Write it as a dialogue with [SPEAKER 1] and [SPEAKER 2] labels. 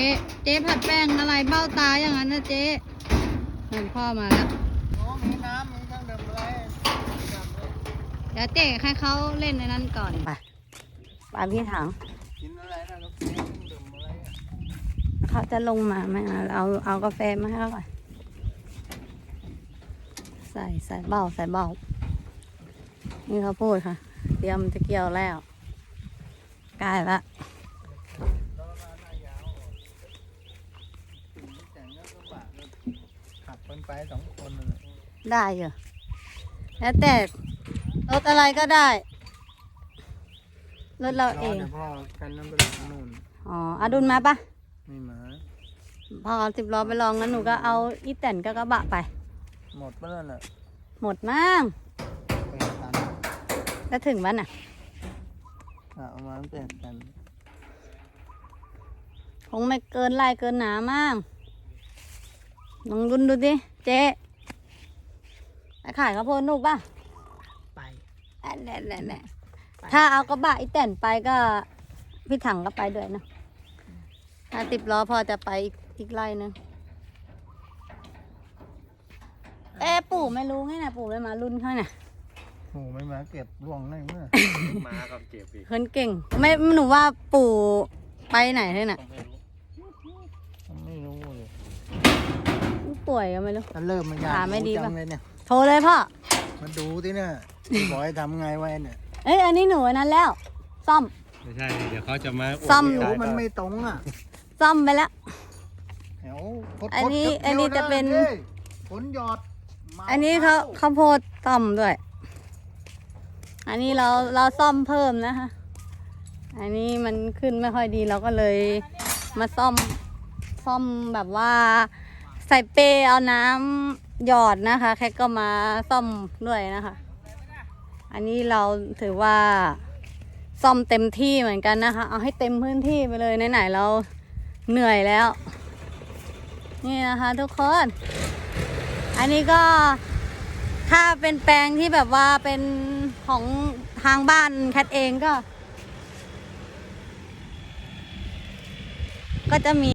[SPEAKER 1] เจ๊ผัดแป้งอะไรเบ้าตาอย่างนั้นนะเจ๊เห็นพ่อมาแล้ว
[SPEAKER 2] มีน้ำมีเครื่องดื่มอะไร
[SPEAKER 1] เดี๋ยวเจ๊ให้เขาเล่นในนั้นก่อนไปพี่ถัง
[SPEAKER 2] กินอะไรนะเครื่องดื่มอะไร
[SPEAKER 1] เขาจะลงมาไหมเอากาแฟมาให้เขาก่อนใส่เบ้านี่เขาพูดค่ะเตรียมจะเกี่ยวแล้วใกล้ละ
[SPEAKER 2] ขับคนไป2 คน
[SPEAKER 1] ได้เหรอแล้วแต่รถอะไรก็ได้รถเราเอง
[SPEAKER 2] พ่อกันน้ำไปลงนู่น
[SPEAKER 1] อ๋ออดุลมาปะ
[SPEAKER 2] ไม่มา
[SPEAKER 1] พ่อ10 ล้อไปลองงั้นหนูก็เอาอีแตนก็กระบะไป
[SPEAKER 2] หมดไปแล้วน่ะ
[SPEAKER 1] หมดมั้งแล้วถึงบ้านน่ะ
[SPEAKER 2] เอามาเปลี่ยนกัน
[SPEAKER 1] คงไม่เกินไร่เกินหนามั้งลองดุนดูดิเจ๊ไปขายข้าวโพดนุกป่ะ
[SPEAKER 2] ไป
[SPEAKER 1] แน่ถ้าเอากระบะอีแตนไปก็พี่ถังก็ไปด้วยนะถ้า10 ล้อพอจะไปอีกไร่นึงปู่ไม่รู้ไงนะปู่ไม่มารุ่นเขาเนี่ย
[SPEAKER 2] โอ้ไม่มาเก็บร่วงได้เมื่อมากับเก็บอีก
[SPEAKER 1] คนเก่งไม่หนูว่าปู่ไปไหนเลยน่ะ
[SPEAKER 2] ไม่รู้เลย
[SPEAKER 1] ป่วยก็ไม่รู้
[SPEAKER 2] เริ่มมันยาก
[SPEAKER 1] ไม่ดีป่ะ
[SPEAKER 2] เนี่ย
[SPEAKER 1] โทรเลยพ่อ
[SPEAKER 2] มาดูที่เนี่ยบอกให้ทำไงไว้เนี่ย
[SPEAKER 1] อันนี้หนูนั้นแล้วซ่อม
[SPEAKER 3] ไม่ใช่เดี๋ยวเขาจะมา
[SPEAKER 1] ซ่อม
[SPEAKER 2] มันไม่ตรงอ่ะ
[SPEAKER 1] ซ่อมไปแล้ว
[SPEAKER 2] อัน
[SPEAKER 1] นี้จะเป็น
[SPEAKER 2] ผลหยอด
[SPEAKER 1] อันนี้เขาโพดซ่อมด้วยอันนี้เราซ่อมเพิ่มนะคะอันนี้มันขึ้นไม่ค่อยดีเราก็เลยมาซ่อมแบบว่าใส่เปรย์เอาน้ำหยอดนะคะแค่ก็มาซ่อมด้วยนะคะอันนี้เราถือว่าซ่อมเต็มที่เหมือนกันนะคะเอาให้เต็มพื้นที่ไปเลยไหนๆเราเหนื่อยแล้วนี่นะคะทุกคนอันนี้ก็ถ้าเป็นแปลงที่แบบว่าเป็นของทางบ้านแคทเองก็จะมี